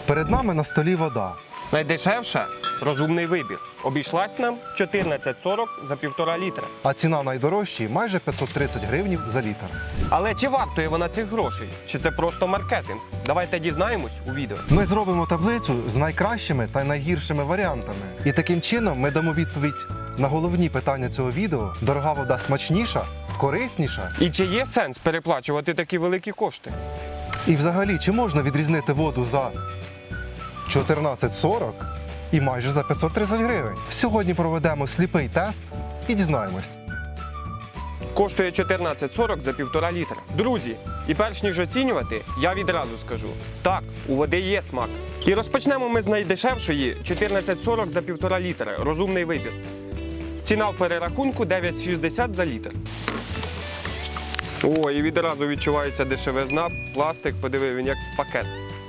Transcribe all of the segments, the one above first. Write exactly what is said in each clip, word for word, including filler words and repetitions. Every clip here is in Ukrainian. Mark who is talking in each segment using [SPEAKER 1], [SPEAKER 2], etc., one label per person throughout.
[SPEAKER 1] Перед нами на столі вода.
[SPEAKER 2] Найдешевша – розумний вибір. Обійшлась нам чотирнадцять сорок за півтора літра.
[SPEAKER 1] А ціна найдорожчої – майже п'ятсот тридцять гривнів за літр.
[SPEAKER 2] Але чи вартує вона цих грошей? Чи це просто маркетинг? Давайте дізнаємось у відео.
[SPEAKER 1] Ми зробимо таблицю з найкращими та найгіршими варіантами. І таким чином ми дамо відповідь на головні питання цього відео. Дорога вода смачніша, корисніша?
[SPEAKER 2] І чи є сенс переплачувати такі великі кошти?
[SPEAKER 1] І взагалі, чи можна відрізнити воду за чотирнадцять сорок і майже за п'ятсот тридцять гривень? Сьогодні проведемо сліпий тест і дізнаємось.
[SPEAKER 2] Коштує чотирнадцять сорок за півтора літра. Друзі, і перш ніж оцінювати, я відразу скажу. Так, у води є смак. І розпочнемо ми з найдешевшої чотирнадцять сорок за півтора літра. Розумний вибір. Ціна в перерахунку дев'ять шістдесят за літр. О, і відразу відчувається дешевизна. Пластик, подиви, він як пакет.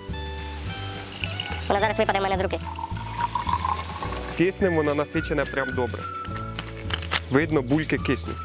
[SPEAKER 3] Вона зараз випаде в мене з руки.
[SPEAKER 2] Киснем вона насичена прям добре. Видно, бульки киснуть.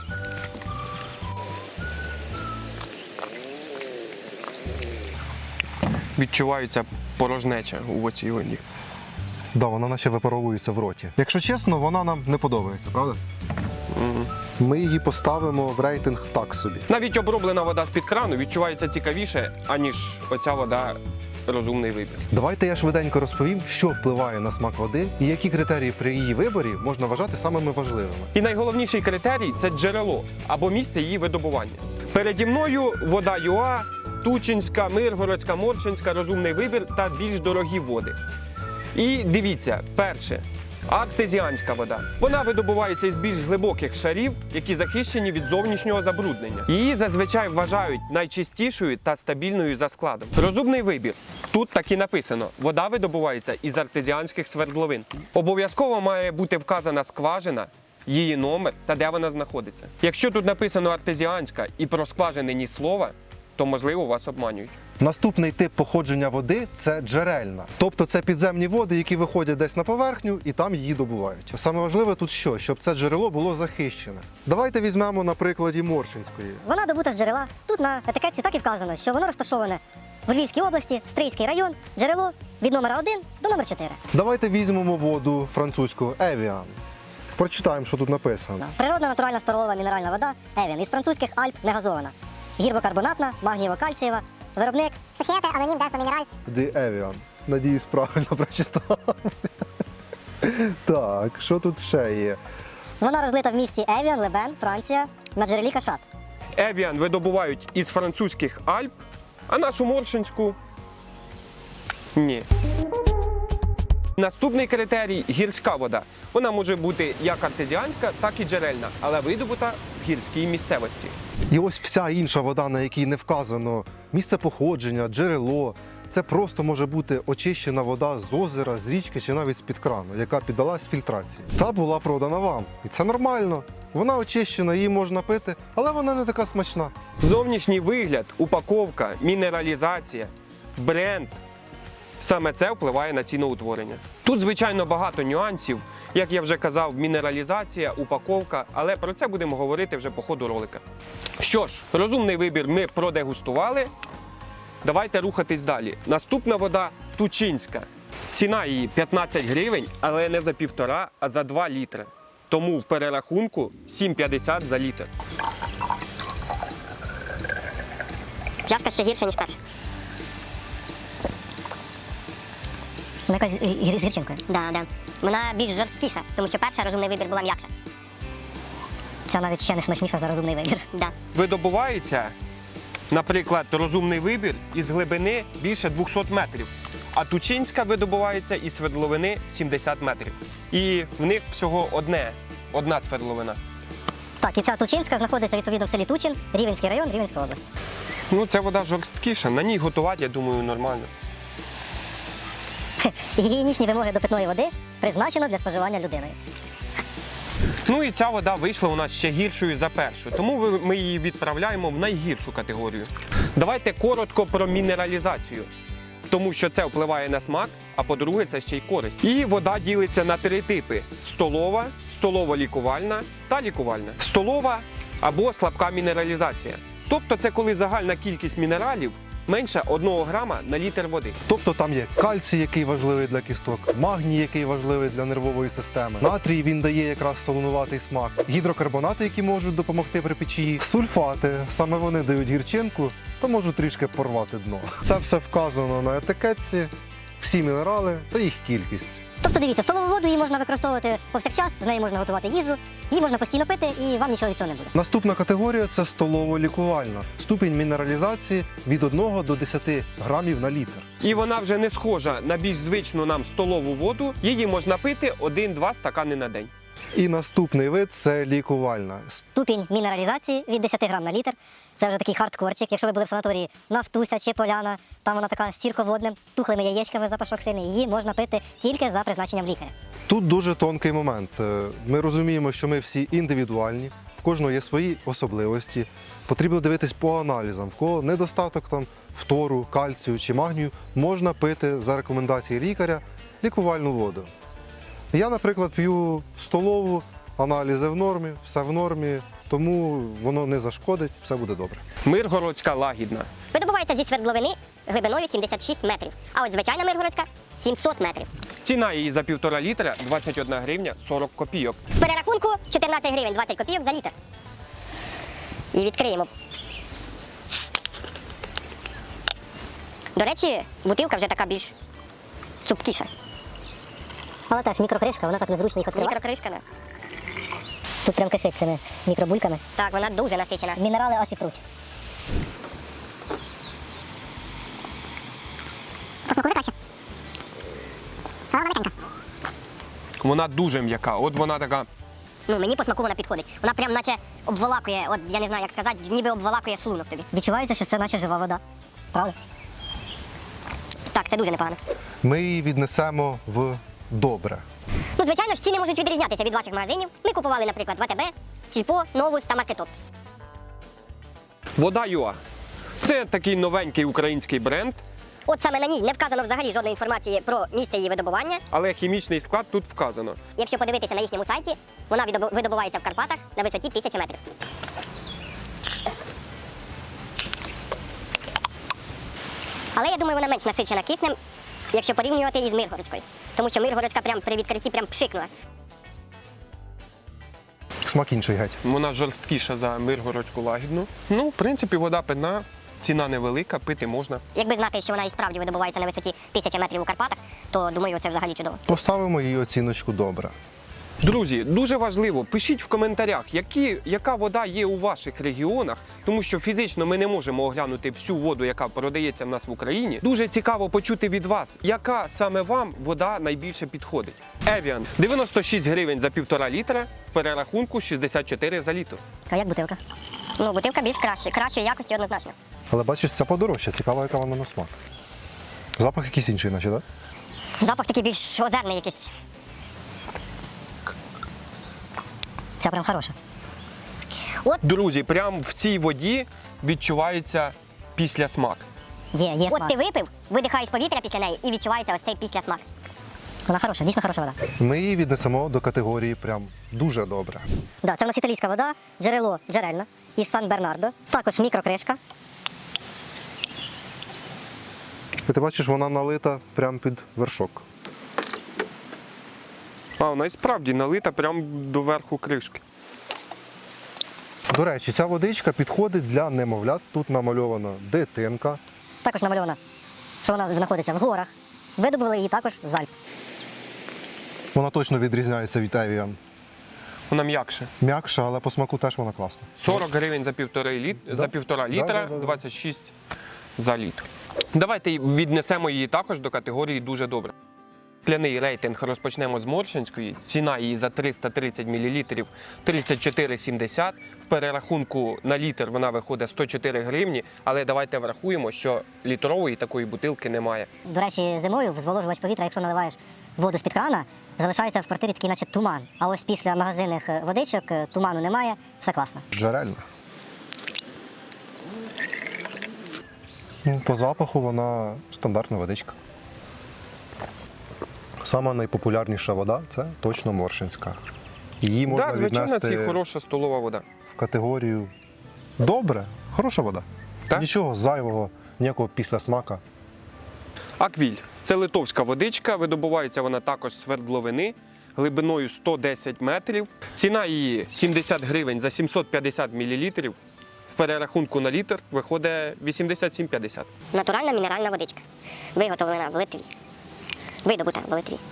[SPEAKER 2] Відчувається порожнеча у оцій воді.
[SPEAKER 1] Да, вона наче випаровується в роті. Якщо чесно, вона нам не подобається, правда?
[SPEAKER 2] Угу.
[SPEAKER 1] Ми її поставимо в рейтинг так собі.
[SPEAKER 2] Навіть оброблена вода з-під крану відчувається цікавіше, аніж оця вода розумний вибір.
[SPEAKER 1] Давайте я швиденько розповім, що впливає на смак води і які критерії при її виборі можна вважати самими важливими.
[SPEAKER 2] І найголовніший критерій – це джерело або місце її видобування. Переді мною вода ЮА, Тучинська, Миргородська, Моршинська, розумний вибір та більш дорогі води. І дивіться, перше. Артезіанська вода. Вона видобувається із більш глибоких шарів, які захищені від зовнішнього забруднення. Її зазвичай вважають найчистішою та стабільною за складом. Розумний вибір. Тут так і написано. Вода видобувається із артезіанських свердловин. Обов'язково має бути вказана скважина, її номер та де вона знаходиться. Якщо тут написано артезіанська і про скважини ні слова, то, можливо, вас обманюють.
[SPEAKER 1] Наступний тип походження води – це джерельна. Тобто це підземні води, які виходять десь на поверхню і там її добувають. Саме важливе тут що? Щоб це джерело було захищене. Давайте візьмемо на прикладі Моршинської.
[SPEAKER 3] Вона добута з джерела. Тут на етикетці так і вказано, що воно розташоване в Львівській області, Стрийський район, джерело від номера один до номера чотири.
[SPEAKER 1] Давайте візьмемо воду французьку Evian. Прочитаємо, що тут написано.
[SPEAKER 3] Природна натуральна столова мінеральна вода Evian із французьких Альп негазована. Гірбокарбонатна, магнієво-кальцієва. Виробник Societe Anonyme des Minerals.
[SPEAKER 1] Ди Evian. Надіюсь, правильно прочитав. Так, що тут ще є?
[SPEAKER 3] Вона розлита в місті Евіан, Лебен, Франція, на джерелі Кашат.
[SPEAKER 2] Евіан видобувають із французьких Альп, а нашу Моршинську – ні. Наступний критерій – гірська вода. Вона може бути як артезіанська, так і джерельна, але видобута в гірській місцевості.
[SPEAKER 1] І ось вся інша вода, на якій не вказано місце походження, джерело. Це просто може бути очищена вода з озера, з річки чи навіть з-під крану, яка піддалась фільтрації. Та була продана вам. І це нормально. Вона очищена, її можна пити, але вона не така смачна.
[SPEAKER 2] Зовнішній вигляд, упаковка, мінералізація, бренд – саме це впливає на ціноутворення. Тут, звичайно, багато нюансів. Як я вже казав, мінералізація, упаковка, але про це будемо говорити вже по ходу ролика. Що ж, розумний вибір ми продегустували. Давайте рухатись далі. Наступна вода – Тучинська. Ціна її п'ятнадцять гривень, але не за півтора, а за два літри. Тому в перерахунку сім п'ятдесят за літр.
[SPEAKER 3] Пляшка ще гірша, ніж перша. Вона якась з гірчинкою. Да, да. Вона більш жорсткіша, тому що перша розумний вибір була м'якша. Ця навіть ще не смачніша за розумний вибір. Да.
[SPEAKER 2] Видобувається, наприклад, розумний вибір із глибини більше двохсот метрів, а Тучинська видобувається із свердловини сімдесят метрів. І в них всього одне, одна свердловина.
[SPEAKER 3] Так, і ця Тучинська знаходиться відповідно в селі Тучин, Рівенський район, Рівенська область.
[SPEAKER 2] Ну, ця вода жорсткіша, на ній готувати, я думаю, нормально.
[SPEAKER 3] Гігієнічні вимоги до питної води призначено для споживання людиною.
[SPEAKER 2] Ну і ця вода вийшла у нас ще гіршою за першу, тому ми її відправляємо в найгіршу категорію. Давайте коротко про мінералізацію, тому що це впливає на смак, а по-друге, це ще й користь. І вода ділиться на три типи – столова, столово-лікувальна та лікувальна. Столова або слабка мінералізація. Тобто це коли загальна кількість мінералів менше одного грама на літр води.
[SPEAKER 1] Тобто там є кальцій, який важливий для кісток, магній, який важливий для нервової системи, натрій, він дає якраз солонуватий смак, гідрокарбонати, які можуть допомогти при печії, сульфати, саме вони дають гірчинку та можуть трішки порвати дно. Це все вказано на етикетці, всі мінерали та їх кількість.
[SPEAKER 3] Тобто дивіться, столову воду її можна використовувати повсякчас, з нею можна готувати їжу, її можна постійно пити і вам нічого від цього не буде.
[SPEAKER 1] Наступна категорія – це столово-лікувальна. Ступінь мінералізації від одного до десяти грамів на літр.
[SPEAKER 2] І вона вже не схожа на більш звичну нам столову воду. Її можна пити один-два стакани на день.
[SPEAKER 1] І наступний вид – це лікувальна.
[SPEAKER 3] Ступінь мінералізації від десяти грам на літр. Це вже такий хардкорчик. Якщо ви були в санаторії Нафтуся чи Поляна, там вона така з сірководним, тухлими яєчками, запашок сильний. Її можна пити тільки за призначенням лікаря.
[SPEAKER 1] Тут дуже тонкий момент. Е, Ми розуміємо, що ми всі індивідуальні, в кожного є свої особливості. Потрібно дивитись по аналізам. В кого недостаток там фтору, кальцію чи магнію, можна пити за рекомендацією лікаря лікувальну воду. Я, наприклад, п'ю столову, аналізи в нормі, все в нормі, тому воно не зашкодить, все буде добре.
[SPEAKER 2] Миргородська лагідна.
[SPEAKER 3] Видобувається зі свердловини глибиною сімдесят шість метрів, а ось звичайна миргородська – сімсот метрів.
[SPEAKER 2] Ціна її за півтора літра двадцять одна гривня сорок копійок.
[SPEAKER 3] В перерахунку чотирнадцять гривень двадцять копійок за літр. І відкриємо. До речі, бутилка вже така більш цупкіша. Але теж мікрокришка, вона так незручно їх відкривати. Мікрокришка, так. Тут прям кишить цими мікробульками. Так, вона дуже насичена. Мінерали аж і пруть. Посмакує краще. Але вона м'якенька.
[SPEAKER 2] Вона дуже м'яка. От вона така.
[SPEAKER 3] Ну, мені по смаку вона підходить. Вона прям наче обволакує, от я не знаю, як сказати, ніби обволакує шлунок тобі. Відчувається, що це наче жива вода. Правда? Так, це дуже непогано.
[SPEAKER 1] Ми її віднесемо в добре.
[SPEAKER 3] Ну, звичайно ж, ціни можуть відрізнятися від ваших магазинів. Ми купували, наприклад, в АТБ, Сільпо, Новус та Маркетоп.
[SPEAKER 2] Вода ЮА. Це такий новенький український бренд,
[SPEAKER 3] От саме на ній не вказано взагалі жодної інформації про місце її видобування.
[SPEAKER 2] але хімічний склад тут вказано.
[SPEAKER 3] Якщо подивитися на їхньому сайті, вона відобу- видобувається в Карпатах на висоті тисячі метрів. Але я думаю, вона менш насичена киснем, якщо порівнювати її з Миргородською. Тому що Миргородська прям при відкритті прям пшикнула.
[SPEAKER 1] Смак інший геть.
[SPEAKER 2] Вона жорсткіша за миргородську лагідну. Ну, в принципі, вода питна, ціна невелика, пити можна.
[SPEAKER 3] Якби знати, що вона і справді видобувається на висоті тисячі метрів у Карпатах, то думаю, це взагалі чудово.
[SPEAKER 1] Поставимо їй оціночку добре.
[SPEAKER 2] Друзі, дуже важливо, пишіть в коментарях, які, яка вода є у ваших регіонах, тому що фізично ми не можемо оглянути всю воду, яка продається в нас в Україні. Дуже цікаво почути від вас, яка саме вам вода найбільше підходить. Evian – дев'яносто шість гривень за півтора літра, в перерахунку шістдесят чотири за літр.
[SPEAKER 3] А як бутилка? Ну, бутилка більш краще, кращої якості однозначно.
[SPEAKER 1] Але бачиш, це подорожче, цікаво, яка вона на смак. Запах якийсь інший, наче, так?
[SPEAKER 3] Запах такий більш озерний якийсь. Ця прям хороша. От
[SPEAKER 2] Друзі, прямо в цій воді відчувається післясмак.
[SPEAKER 3] є, є смак. От ти випив, видихаєш повітря після неї і відчувається ось цей післясмак. Вона хороша, дійсно хороша вода.
[SPEAKER 1] Ми її віднесемо до категорії прям дуже добре.
[SPEAKER 3] Да, це в нас італійська вода, джерело джерельна із Сан-Бернардо. Також мікрокришка.
[SPEAKER 1] І ти бачиш, вона налита прямо під вершок.
[SPEAKER 2] А, вона і справді налита прямо до верху кришки.
[SPEAKER 1] До речі, ця водичка підходить для немовлят. Тут намальована дитинка.
[SPEAKER 3] Також намальована, що вона знаходиться в горах. Видобули її також з Альп.
[SPEAKER 1] Вона точно відрізняється від Evian.
[SPEAKER 2] Вона м'якша.
[SPEAKER 1] М'якша, але по смаку теж вона класна.
[SPEAKER 2] сорок гривень за півтора, літ...
[SPEAKER 1] Да.
[SPEAKER 2] за півтора
[SPEAKER 1] Да,
[SPEAKER 2] літра,
[SPEAKER 1] да, да, да.
[SPEAKER 2] двадцять шість за літр. Давайте віднесемо її також до категорії «дуже добре». Скляний рейтинг розпочнемо з Моршинської. Ціна її за триста тридцять мілілітрів тридцять чотири сімдесят. В перерахунку на літр вона виходить сто чотири гривні, але давайте врахуємо, що літрової такої бутилки немає.
[SPEAKER 3] До речі, зимою в зволожувач повітря, якщо наливаєш воду з-під крана, залишається в квартирі такий наче туман. А ось після магазинних водичок туману немає, все класно.
[SPEAKER 1] Джерельна. Ну, по запаху вона стандартна водичка. Сама найпопулярніша вода – це точно Моршинська. Її можна
[SPEAKER 2] Так, звичайно, це
[SPEAKER 1] віднести
[SPEAKER 2] хороша столова вода.
[SPEAKER 1] в категорію добре, хороша вода.
[SPEAKER 2] Так?
[SPEAKER 1] Нічого зайвого ніякого післясмака.
[SPEAKER 2] Аквіль це литовська водичка, видобувається вона також з свердловини глибиною сто десять метрів. Ціна її сімдесят гривень за сімсот п'ятдесят мілілітрів. В перерахунку на літр виходить вісімдесят сім п'ятдесят.
[SPEAKER 3] Натуральна мінеральна водичка. Виготовлена в Литві. Видобута в Литві.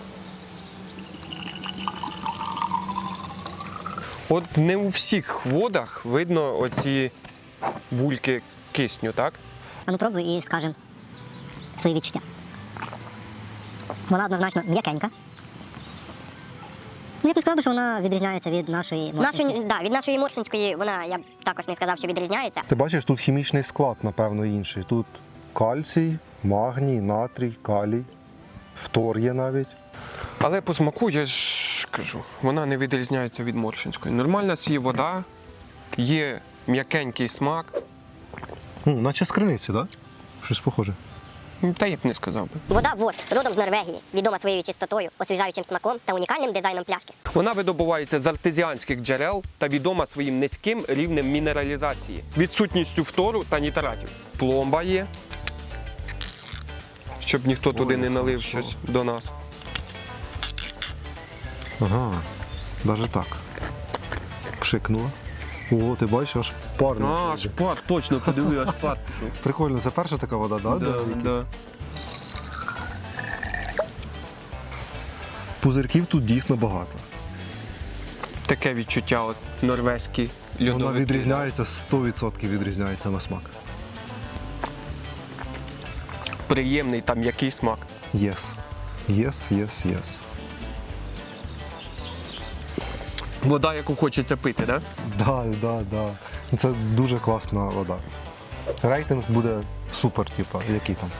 [SPEAKER 2] От не у всіх водах видно оці бульки кисню, так?
[SPEAKER 3] А ну пробуй і скажемо свої відчуття. Вона однозначно м'якенька. Ну, я б не сказав, що вона відрізняється від нашої моршинської. Нашої, да, від нашої моршинської вона, я б також не сказав, що відрізняється.
[SPEAKER 1] Ти бачиш, тут хімічний склад, напевно, інший. Тут кальцій, магній, натрій, калій, фтор є навіть.
[SPEAKER 2] Але по смаку, я ж кажу, вона не відрізняється від моршинської. Нормальна сі вода, є м'якенький смак.
[SPEAKER 1] Ну, наче з криниці, так? Да? Щось похоже.
[SPEAKER 2] Та я б не сказав би.
[SPEAKER 3] Вода ВОС, родом з Норвегії, відома своєю чистотою, освіжаючим смаком та унікальним дизайном пляшки.
[SPEAKER 2] Вона видобувається з артезіанських джерел та відома своїм низьким рівнем мінералізації, відсутністю фтору та нітратів. Пломба є, щоб ніхто туди не налив
[SPEAKER 1] хорошо.
[SPEAKER 2] щось до нас.
[SPEAKER 1] Ага, навіть так. Пшикнула. О, ти бачиш, аж парно.
[SPEAKER 2] шпар, точно, подиви, аж шпар пішов.
[SPEAKER 1] Прикольно, це перша така вода, да?
[SPEAKER 2] Да,
[SPEAKER 1] де якісь
[SPEAKER 2] да.
[SPEAKER 1] Пузирків тут дійсно багато.
[SPEAKER 2] Таке відчуття, от норвезькі льодовики.
[SPEAKER 1] Вона відрізняється, сто відсотків відрізняється на смак.
[SPEAKER 2] Приємний там який смак.
[SPEAKER 1] Єс. Єс, єс, єс.
[SPEAKER 2] Вода, яку хочеться пити, так?
[SPEAKER 1] Да, да, да. Це дуже класна вода. Рейтинг буде супер, типа, який там.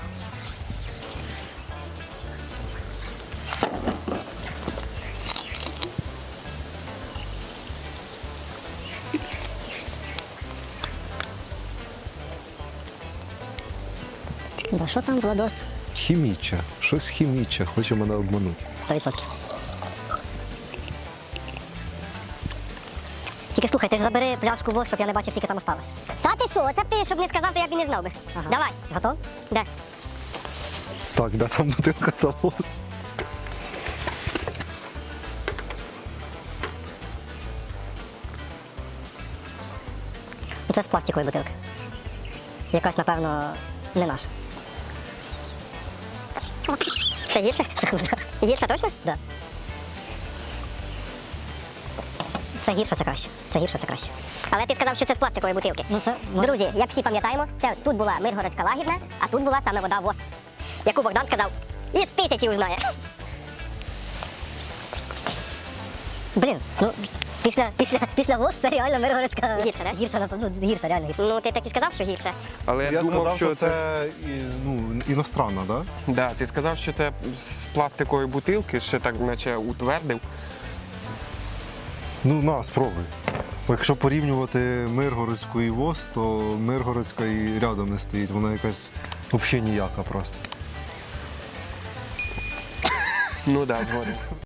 [SPEAKER 3] Да що там, Владос?
[SPEAKER 1] Хіміче. Щось хіміче, хоче мене обманути.
[SPEAKER 3] сто відсотків. Тільки слухай, ти ж забери пляшку ВОС, щоб я не бачив, скільки там осталось. Та ти що, оце б ти, щоб не сказав, то я б і не знав би. Ага. Давай. Готов? Де?
[SPEAKER 1] Так, де там бутилка та ВОС?
[SPEAKER 3] Ну, це з пластикової бутилки. Якась, напевно, не наша. Це гірше? Це хуже. Гірше точно? Так. Да. Це гірше, це краще. Це гірше, це краще. Але ти сказав, що це з пластикової бутилки. Ну, це... Друзі, як всі пам'ятаємо, це тут була Миргородська лагідна, а тут була саме вода ВОС, яку Богдан сказав, із тисячі узнає. Блін, ну, після, після, після ВОС це реально Миргородська... Гірше, не? Гірше, напевно, гірше, реально гірше. Ну, ти так і сказав, що гірше.
[SPEAKER 2] Але я,
[SPEAKER 1] Я
[SPEAKER 2] думав,
[SPEAKER 1] сказав,
[SPEAKER 2] що,
[SPEAKER 1] що
[SPEAKER 2] це...
[SPEAKER 1] це і, ну, іностранна, да?
[SPEAKER 2] Да, ти сказав, що це з пластикової бутилки, ще так наче утвердив.
[SPEAKER 1] Ну, на, спробуй. Бо якщо порівнювати Миргородську і ВОС, то Миргородська і рядом не стоїть. Вона якась взагалі ніяка просто.
[SPEAKER 2] Ну так, да, згоден.